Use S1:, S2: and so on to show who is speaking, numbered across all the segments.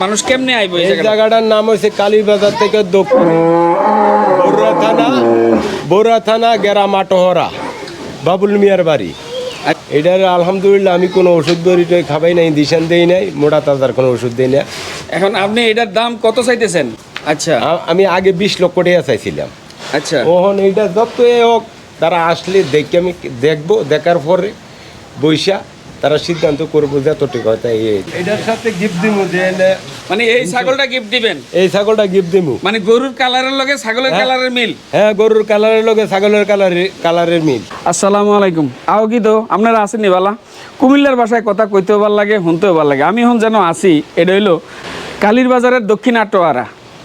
S1: মানুষ কেমনে আইবো এই
S2: এই
S1: জায়গাটা?
S2: জায়গাটার নাম হচ্ছে কালীবাজার থেকে দক্ষিণে বড়ুয়া থানা গেরামাটোহরা বাবুল মিয়ার বাড়ি। এটার আলহামদুলিল্লাহ আমি কোনো ওষুধ বড়িটা খাবাই নাই, দিশান দেই নাই, মোটা তাজার কোনো ওষুধ দেই না।
S1: এখন আপনি এটার দাম কত চাইতেছেন? আচ্ছা
S2: আমি আগে 20 লক্ষ টাকা চাইছিলাম।
S1: আচ্ছা
S2: ওহন এইটা যত হোক তারা আসলে দেখে আমি দেখবো, দেখার পরে বৈশা তারা সিদ্ধান্ত করবো যত ঠিক হয় তাই। এটার সাথে গিফট দিমু যে
S1: মানে এই ছাগলটা গিফট দিবেন?
S2: এই ছাগলটা গিফট দিমু।
S1: মানে গরুর কালারের লগে ছাগলের কালারের মিল?
S2: হ্যাঁ, গরুর কালারের লগে ছাগলের কালারের মিল।
S1: আসসালামু আলাইকুম। আও কি তো আপনারা আসেননি বালা? কুমিল্লার ভাষায় কথা কইতেও ভাল লাগে, শুনতেও ভাল লাগে। আমি এখন যেন আসি, এটা হইলো কালীর বাজারের দক্ষিণ আটোয়ারা।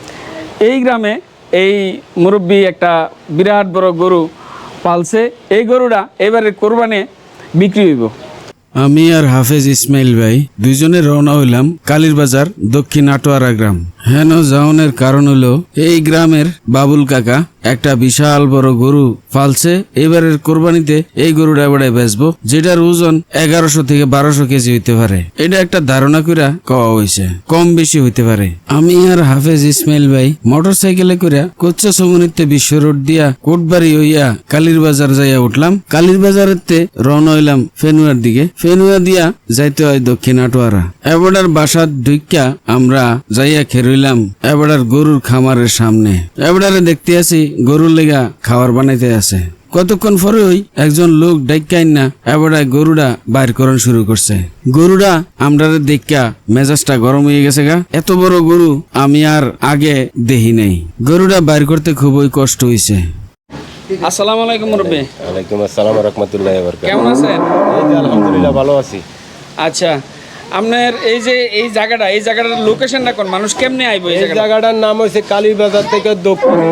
S1: এই গ্রামে এই মুরব্বী একটা বিরাট বড় গরু পালছে। এই গরুটা এবারে কোরবানে বিক্রি হইব।
S3: আমি আর হাফেজ ইসমাইল ভাই দুইজনে রওনা হইলাম কালীর বাজার দক্ষিণ আটোয়ারা গ্রাম। হেন যাওনের কারণ হলো এই গ্রামের বাবুল কাকা একটা বিশাল বড় গরু পালছে। এবারের কোরবানিতে এই গরুটা এবারে বেচবো, যেটার ওজন 1100 থেকে 1200 কেজি হইতে পারে। এটা একটা ধারণা কইরা কওয়া হইছে, কম বেশি হইতে পারে। আমি আর হাফেজ ইসমাইল ভাই মোটর সাইকেলে কইরা কোচ্চা সমুনিতে বিশ্ব রোড দিয়া কোটবাড়ি হইয়া কালীর বাজার যাইয়া উঠলাম। কালীর বাজারেতে রওনা হইলাম ফেনুয়ার দিকে। ফেনুয়া দিয়া যাইতে হয় দক্ষিণ আটোয়ারা। এবারের বাসার ঢুইকা আমরা যাইয়া খেরইলাম এবারের গরুর খামারের সামনে। এবারে দেখতে আছি গরুর লেগা খাবার বানাইতে আছে। কতক্ষণ পরে ওই একজন লোক ডাইকাইন না এবারে গরুটা বাইর করন শুরু করছে। গরুটা আমরা দেখা মেজাজটা গরম হয়ে গেছে গা। এত বড় গরু আমি আর আগে দেখি নাই। গরুটা বাইর করতে খুবই কষ্ট হইছে।
S1: আসসালামু আলাইকুম মুরব্বী।
S2: ওয়ালাইকুম আসসালাম ওয়া রাহমাতুল্লাহি ওয়া বারাকাতুহু।
S1: কেমন আছেন?
S2: এই যে আলহামদুলিল্লাহ ভালো আছি।
S1: আচ্ছা, আপনার এই যে এই জায়গাটার লোকেশনটা কোন? মানুষ কেমনে আইবো এই
S2: এই
S1: জায়গাটা?
S2: জায়গাটার নাম হচ্ছে কালীবাজার থেকে দক্ষিণে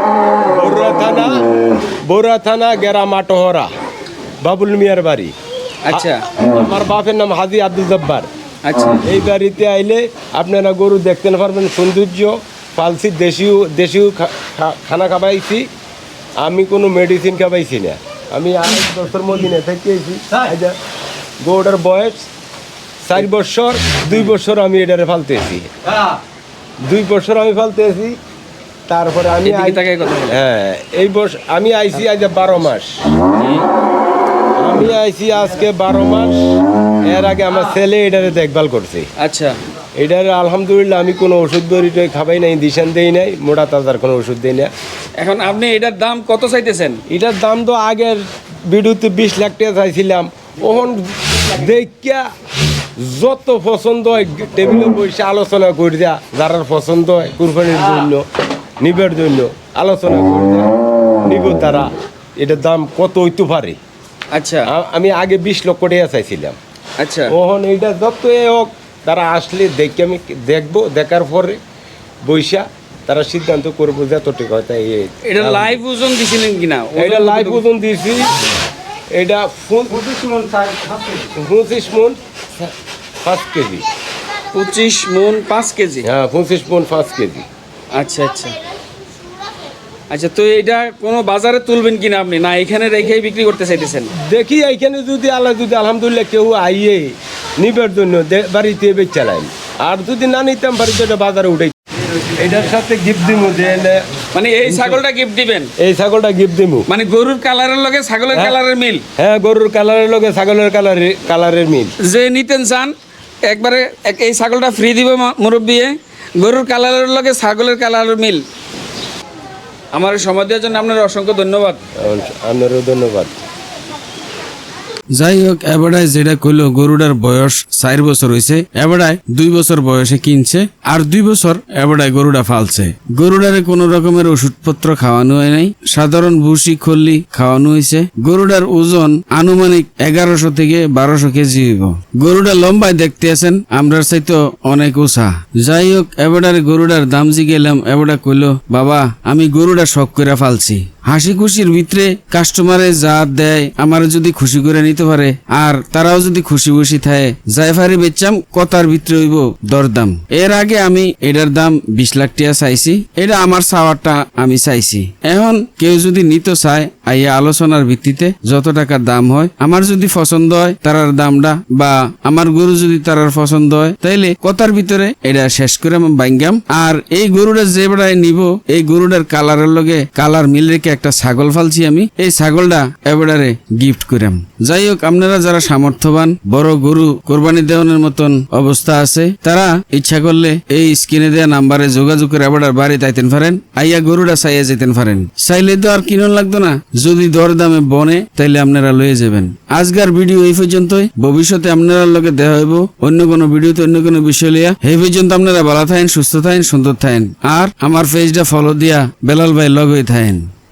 S2: বড়ুয়া থানা গেরামাটোহরা বাবুল মিয়ার বাড়ি।
S1: আচ্ছা
S2: আমার বাপের নাম হাজি আব্দুল জব্বার।
S1: আচ্ছা
S2: এই বাড়িতে আইলে আপনারা গরু দেখতে পারবেন, সৌন্দর্য পালছি, দেশীয় খানা খাবাইছি। আমি কোনো মেডিসিন খাবাইছি না। আমি 8 বছর মদিনে থেকেছি। গরুটার বয়স 4 বছর, 2 বছর আমি এটারে ফালতেছি। 2 বছর আমি ফালতেছি। তারপরে আমি
S1: এদিকে তাকায় কথা বলেন।
S2: হ্যাঁ, এই বছর আমি আইছি আজ 12 মাস। আমি আইছি আজকে 12 মাস। এর আগে আমার ছেলে এটারে দেখভাল করছে।
S1: আচ্ছা
S2: এটার আলহামদুলিল্লাহ আমি কোনো ওষুধ বড়িটা খাবাই নাই, দিশান দেই নাই, মোটা তাজার কোনো ওষুধ দেই না।
S1: এখন আপনি এটার দাম কত চাইতেছেন?
S2: এটার দাম তো আগের ভিডিওতে 20 লাখ টাকা চাইছিলাম। ওখন দেখিয়া যত পছন্দ হয় টেবিলে বসে আলোচনা করে দেয়া, যারা পছন্দ হয় কুরবানির জন্য নিবের জন্য আলোচনা করে দেয়া নিব তারা। এটার দাম কত হইতে পারে।
S1: আচ্ছা
S2: আমি আগে 20 লক্ষ টাকা চাইছিলাম।
S1: আচ্ছা
S2: ওহন এইটা যত হোক তারা আসলে দেখে আমি দেখবো, দেখার পরে বৈশা তারা সিদ্ধান্ত করবো যত ঠিক হয় তাই।
S1: এটা লাইভ ওজন দিছিলেন কিনা?
S2: এটা লাইভ ওজন দিয়েছি। এটা 25 মণ 5 কেজি।
S1: 25 মণ 5 কেজি।
S2: হ্যাঁ, 25 মণ 5 কেজি।
S1: আচ্ছা আচ্ছা আচ্ছা, তো এটা কোনো বাজারে তুলবেন কিনা আপনি, না এখানে রেখেই বিক্রি করতে চাইতেছেন?
S2: দেখি এইখানে যদি আলহামদুলিল্লাহ কেউ আইয়ে নিবার জন্য বাড়িতে বেচালাই, আর যদি না নিতাম বাড়িতে এটা বাজারে উঠে। এটার সাথে গিফট দিমু যে
S1: মানে এই ছাগলটা গিফট দিবেন?
S2: এই ছাগলটা গিফট দিমু।
S1: মানে গরুর কালারের লগে ছাগলের কালারের মিল?
S2: হ্যাঁ, গরুর কালারের লগে ছাগলের কালারের মিল।
S1: যে নিতেন চান একবারে এই ছাগলটা ফ্রি দিব মুরব্বী। গরুর কালারের লগে ছাগলের কালারের মিল। আমার সময় দেওয়ার জন্য আপনার অসংখ্য ধন্যবাদ।
S2: আপনারও ধন্যবাদ।
S3: যাই হোক, এবারায় যেটা কইলো গরুটার বয়স 4 বছর হয়েছে। এবারায় 2 বছর বয়সে কিনছে, আর 2 বছর এবারায় গরুটা ফালছে। গরুটারে কোন রকমের ওষুধপত্র খাওয়ানো হয় নাই, সাধারণ ভুসি খল্লি খাওয়ানো হয়েছে। গরুটার ওজন আনুমানিক 1100 থেকে 1200 কেজি হইব। গরুটা লম্বায় দেখতে আছেন আমরার চাইতো অনেক উঁচা। যাই হোক, এবারে গরুটার দাম জিগেলাম। এবারে কইলো, বাবা আমি গরুটা শখ করে ফালছি। হাসি খুশির ভিতরে কাস্টমারে যা দেয় আমার যদি খুশি করে নিতে পারে, আর তারাও যদি খুশি খুশি থাকে, জায়ফারি বেচাম কথার ভিতরে হইব দরদাম। এর আগে আমি এটার দাম 20 লাখ টাকা চাইছি। এটা আমার চাওয়ারটা আমি চাইছি। এখন কেউ যদি নিতে চায় আইয়া আলোচনার ভিত্তিতে যত টাকার দাম হয় আমার যদি পছন্দ হয় তারার দামটা বা আমার গরু যদি তারার পছন্দ হয় তাইলে কথার ভিতরে এটা শেষ করে আমি বাইঙ্গাম। আর এই গরুটা যে বেড়ায় নিব এই গরুটার কালারের লগে কালার মিল রেখে একটা ছাগল ফালছি আমি, এই ছাগলটা এবারে গিফট করাম। যাই হোক, আপনারা যারা সামর্থ্যবান বড় গরু কোরবানি দেওয়ানোর মতন অবস্থা আছে তারা ইচ্ছা করলে এই স্ক্রিনে দেওয়া নাম্বারে যোগাযোগ করে এবার বাড়ি তাইতেন পারেন, আইয়া গরুটা চাইয়া যেতেন পারেন। চাইলে তো আর কিনুন লাগতো না, যদি দর দামে বনে তাইলে আপনারা লয়ে যাবেন। আজকের ভিডিও এই পর্যন্তই, ভবিষ্যতে আপনারা লগে দেখা হইব অন্য কোনো ভিডিওতে অন্য কোনো বিষয় লিয়া। এই পর্যন্ত আপনারা ভালো থাকেন, সুস্থ থাকেন, সুন্দর থাকেন, আর আমার পেজটা ফলো দিয়া বেলাল ভাই লগ হয়ে থাকেন।